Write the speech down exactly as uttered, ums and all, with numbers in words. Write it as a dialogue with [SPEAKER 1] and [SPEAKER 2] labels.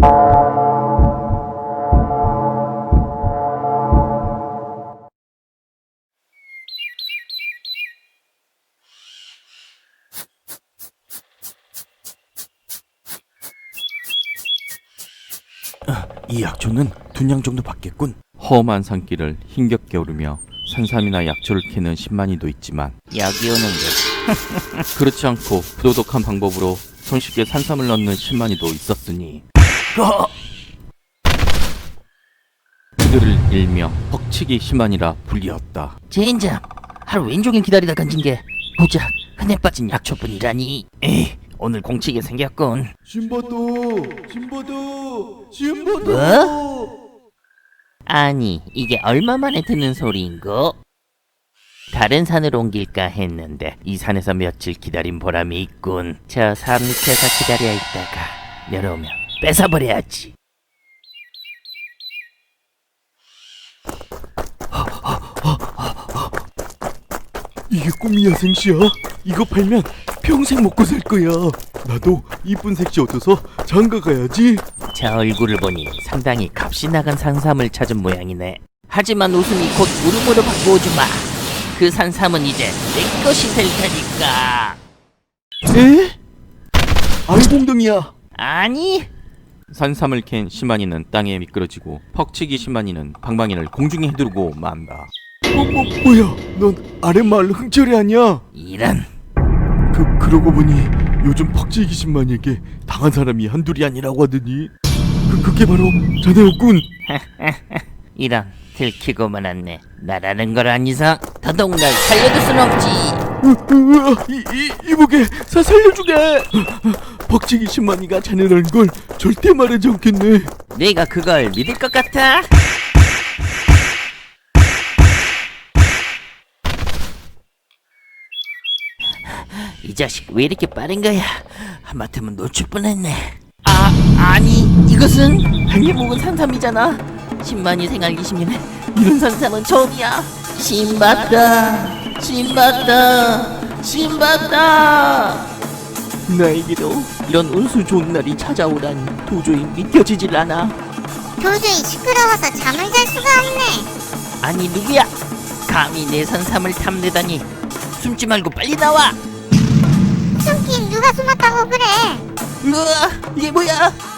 [SPEAKER 1] 이 약초는 두 냥 정도 받겠군. 험한 산길을 힘겹게 오르며 산삼이나 약초를 캐는 신만이도 있지만
[SPEAKER 2] 여기 오는 게
[SPEAKER 1] 그렇지 않고 부도덕한 방법으로 손쉽게 산삼을 넣는 신만이도 있었으니 그들을 일명 퍽치기 신만이라 불리었다.
[SPEAKER 2] 젠장, 하루 왼종일 기다리다 건진 게 고작 흔해 빠진 약초뿐이라니. 에이, 오늘 공치게 생겼군.
[SPEAKER 3] 신바도 신바도 신바도
[SPEAKER 2] 뭐? 아니, 이게 얼마만에 듣는 소리인고? 다른 산으로 옮길까 했는데 이 산에서 며칠 기다린 보람이 있군. 저 산 밑에서 기다려 있다가 내려오면 뺏어버려야지.
[SPEAKER 3] 이게 꿈이야 생시야? 이거 팔면 평생 먹고 살 거야. 나도 이쁜 색시 얻어서 장가 가야지.
[SPEAKER 2] 저 얼굴을 보니 상당히 값이 나간 산삼을 찾은 모양이네. 하지만 웃음이 곧 울음으로 바꾸어주마. 그 산삼은 이제 내 것이 될 테니까.
[SPEAKER 3] 에? 알공등이야.
[SPEAKER 2] 아니,
[SPEAKER 1] 산삼을 캔 신만이는 땅에 미끄러지고 퍽치기 신만이는 방망이를 공중에 휘두르고 만다.
[SPEAKER 3] 뭐, 뭐, 뭐야? 넌 아랫마을 흥철이 아니야?
[SPEAKER 2] 이런.
[SPEAKER 3] 그, 그러고 보니 요즘 퍽치기 신만에게 당한 사람이 한둘이 아니라고 하더니 그, 그게 바로 자네였군.
[SPEAKER 2] 이런, 들키고 말았네. 나라는 걸 안 이상 더더욱 날 살려둘 순 없지.
[SPEAKER 3] 으, 으, 으, 이, 이, 이보게 사 살려주게. 퍽치기 신만이가 자네라는 걸 절대 말하지 않겠네.
[SPEAKER 2] 내가 그걸 믿을 것 같아? 이 자식 왜 이렇게 빠른 거야? 하마터면 놓칠 뻔했네. 아, 아니, 이것은 당에 먹은 산삼이잖아. 십만이 생활 이십 년에 이런 산삼은 처음이야. 신받다, 신받다, 신받다. 나에게도 이런 운수 좋은 날이 찾아오다니 도저히 믿겨지질 않아.
[SPEAKER 4] 도저히 시끄러워서 잠을 잘 수가 없네.
[SPEAKER 2] 아니, 누구야? 감히 내 산삼을 탐내다니. 숨지 말고 빨리 나와.
[SPEAKER 4] 숨긴 누가 숨었다고 그래?
[SPEAKER 2] 으아, 이게 뭐야?